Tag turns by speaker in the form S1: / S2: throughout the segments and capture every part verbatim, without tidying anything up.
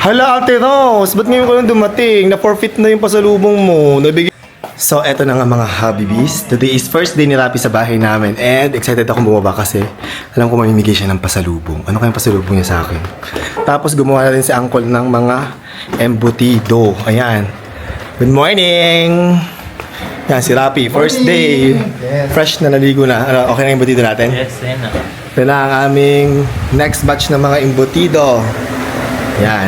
S1: Hala, Ate Rose, ba't ngayon ko lang dumating? Na-forfeit na yung pasalubong mo. Nabigay... So, eto na nga mga Habibis. Today is first day ni Rapi sa bahay namin and excited akong bumaba kasi alam ko mamimigay siya ng pasalubong. Ano kayang pasalubong niya sa akin? Tapos gumawa na rin si Uncle ng mga embutido. Ayan. Good morning! Yan, si Rapi. First day. Fresh na naligo na. Ano, okay na yung embutido natin?
S2: Yes, yan na.
S1: Ito na ang aming next batch ng mga embutido. Yan.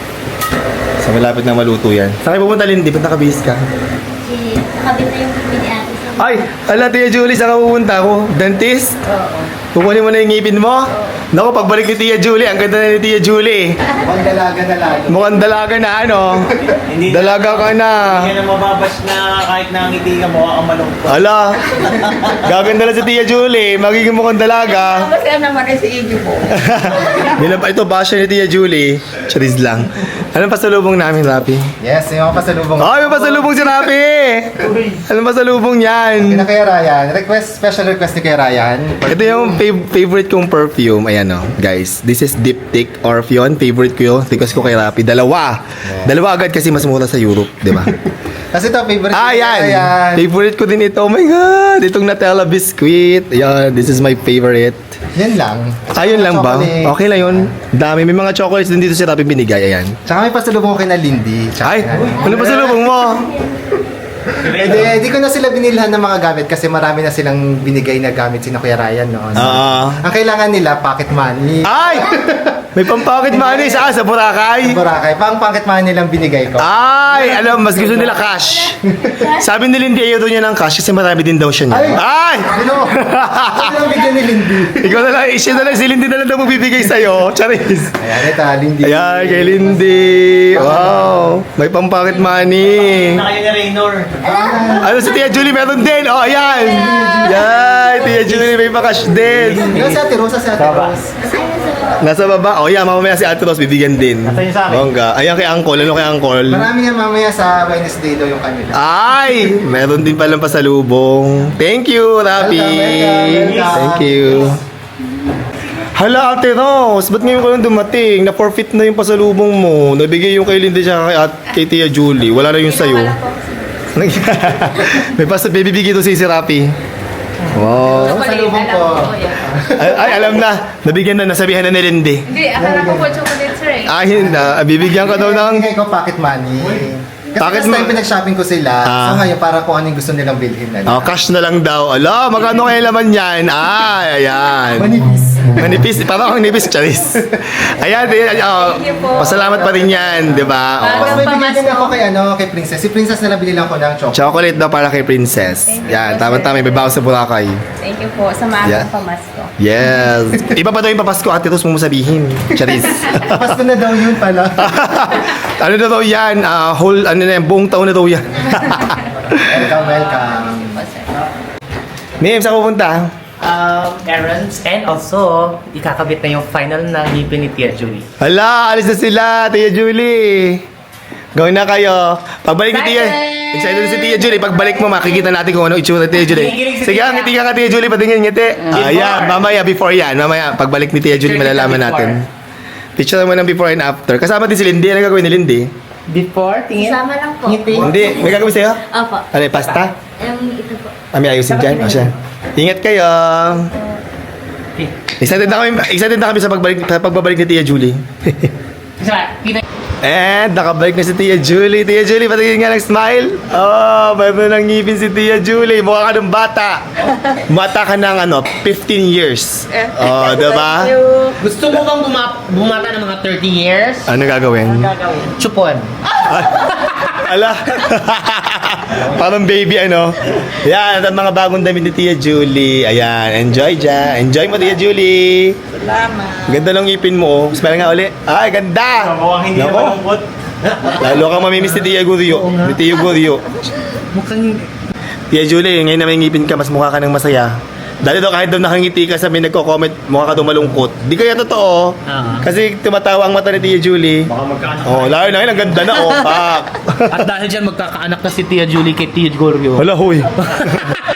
S1: So, malapit na maluto yan. Saan kayo pupunta, Lindy? Punta ka, bis ka?
S3: Si, nakabit na yung bibili ate sa...
S1: Ay! Ala, Tia Julie, saan ka pupunta ako? Dentist?
S3: Oo.
S1: Kukunin mo na yung ngipin mo? Naku, pagbalik ni Tia Julie, ang ganda na ni Tia Julie.
S4: Mukhang dalaga na lang.
S1: Mukhang dalaga na, ano?
S2: Hindi na-
S1: Dalaga ka na.
S2: Hindi ka na mababash na kahit nangiti ka mo ang malungkot.
S1: Ala, gaganda na si Tia Julie. Magiging mukhang dalaga.
S3: Tapos yan naman rin si Iggy po.
S1: Bilang pa ito, basya ni Tia Julie. Charis lang. Anong pasalubong namin, Rapi?
S4: Yes, yung mga pasalubong.
S1: Oh, yung pasalubong si Rapi! Anong pasalubong yan?
S4: Kina Kuya Ryan. Request, special request ni Kuya Ryan.
S1: Ito yung fav- favorite kong perfume. Ayan o, guys. This is Diptyque Orpheon. Favorite ko yun. Request ko kay Rapi. Dalawa. Dalawa agad kasi mas mura sa Europe, di ba?
S4: Kasi ito, favorite
S1: Ah,
S4: ni Kuya
S1: yan.
S4: Ryan.
S1: Favorite ko din ito. Oh my God. Itong Nutella biscuit. Ayan. This is my favorite.
S4: Yan lang.
S1: Ayun lang ba?
S4: Chocolate.
S1: Okay lang yun. Dami. May mga chocolates din dito si Rapi binigay. Ayan.
S4: Tsaka may pasalubong ko kay na Lindy. Tsaka
S1: Ay,
S4: kay-
S1: ano pa sa lubong mo?
S4: Hindi, di ko na sila binilhan ng mga gamit kasi marami na silang binigay na gamit si Kuya Ryan noon.
S1: Ah.
S4: Ang kailangan nila, pocket money.
S1: Ay! May pampakit money sa sa Boracay.
S4: Boracay. Pang pocket money lang binigay ko.
S1: Ay, alam, mas gusto nila cash. Sabi ni Lindy, ayaw daw niya ng cash kasi marami din daw siya niya.
S4: Ay!
S1: Ay!
S4: Ano? Ano lang bigyan ni Lindy?
S1: Ikaw na lang, siya na lang, si Lindy na lang daw magbibigay sa'yo. Charis.
S4: Ayan, ito, Lindy.
S1: Ayan, kay Lindy. Wow. May pampakit money.
S2: Na kayo ni Raynor.
S1: Ano si Tia Julie meron din? Oh, ayan. Yan, Tia Julie may pa-cash din.
S4: Ikaw si Ate Rosa, si Ate Rose.
S1: Nasa baba. Oh, yan, mamamaya si Ate Rose bibigyan din.
S2: Nasaan yung sa akin?
S1: Bongga. Ayan kay Uncle. Ano kay Uncle?
S4: Marami yan mamaya sa Wednesday daw yung kanila.
S1: Ay! Meron din palang pasalubong. Thank you, Rapi.
S4: Welcome, welcome.
S1: Thank you. Hala, Ate Rose, ba't ngayon ko lang dumating? Na-forfeit na yung pasalubong mo. Nabigay yung kay Lindy siya kay, at, kay Tia Julie. Wala na yung sayo. May pas bibigay to si si Rapi. Wow.
S4: Ang salubong ko.
S1: Ay, ay, alam na. Nabigyan na, nasabihan na ni Lindy.
S3: Hindi, akala ko po chocolate sir eh.
S1: Ay, na. Bibigyan ka daw ng...
S4: Bigay ko pocket money. Kasi
S1: Pocket
S4: last time
S1: mo-
S4: pinag-shopping ko sila.
S1: Ah.
S4: So ngayon, para kung ano yung gusto nilang bilhin na.
S1: Oh, cash na lang daw. Ala, magkano kaya laman yan? Ay, ayan.
S4: Manipis.
S1: Manipis, parang ang nipis, charis. Ayan, di- oh,
S3: Thank you po.
S1: pasalamat pa rin yan, di ba?
S4: Tapos
S1: Oh.
S4: may bigay din ako kay, ano, kay Princess. Si Princess na nabililang ko ng chocolate.
S1: Chocolate daw para kay Princess.
S3: Thank you
S1: Yan,
S3: po,
S1: tama-tama, may bawas sa Boracay.
S3: Thank you po sa maagang
S1: Yeah.
S3: pamasko.
S1: Yes. Iba pa daw yung papasko, Ate Rose, mo sabihin. Charis.
S4: Pasko na daw yun pala.
S1: Ano na daw yan? Ah, whole, ano na yan, buong taon na daw yan.
S4: Welcome, welcome.
S3: Po, sir.
S1: Ma'am, saan pupunta?
S2: Um, errands and also, ikakabit na yung final na ngipin ni Tia Julie.
S1: Hala, alis na sila, Tia Julie. Gawin na kayo. Pagbalik ni Tia,
S3: Excited!
S1: excited na si Tia Julie. Pagbalik mo, makikita natin kung ano itsura ni Tia Julie.
S2: Kinikilig si
S1: Sige,
S2: Tia.
S1: ngiti ka ka Tia Julie, patingin ngiti. Ayan, mamaya, before yan. Mamaya, pagbalik ni Tia Julie,
S2: Picture kita
S1: malalaman
S2: before.
S1: natin. Picture mo ng before and after. Kasama din si Lindy. Ano gagawin ni Lindy?
S2: Before, tingin.
S3: Isama lang po.
S2: Ngiti.
S1: Hindi, may gagawin sa'yo?
S3: Opo.
S1: Ano, yung pasta?
S3: Um, ito po.
S1: Kami ayusin dyan. O siya. Ingat kayo. Excited na kami, excited na kami sa pagbalik, sa pagbabalik ni Tia Julie. And nakabalik na si Tia Julie. Tia Julie, patingin nga ng smile. Oh, mayroon ng ngipin si Tia Julie. Mukha ka ng bata. Mata ka ng ano, fifteen years. Oh, diba?
S3: Thank you.
S2: Gusto mo bang buma- bumata ng mga thirty years?
S1: Ano gagawin?
S2: Gagawin. Chupon.
S1: Ala. Parang baby ano. Yan, at ang mga bagong damit ni Tia Julie. Ayan, enjoy dyan. Enjoy mo, Tia Julie.
S3: Salamat.
S1: Ganda ng ngipin mo. Oh. Smile nga uli. Ay, ganda.
S2: Mukhang hindi
S1: Nako.
S2: naman malungkot.
S1: Lalo kang mamimiss ni Tia Gurio. Ni Tia Gurio.
S2: Mukhang
S1: Tia Julie, ngayon na may ngipin ka, mas mukha ka ng masaya. Dati daw kahit daw nakangiti ka sa may nagko-comment, mukha ka daw malungkot. Di kaya totoo.
S2: Ah.
S1: Kasi tumatawa ang mata ni Tia Julie.
S2: baka magkaanak.
S1: Oh, lalo na yun, ang ganda na, oh. Pak.
S2: At dahil dyan magkakaanak na si Tia Julie kay Tia Gorio.
S1: Hala, huy.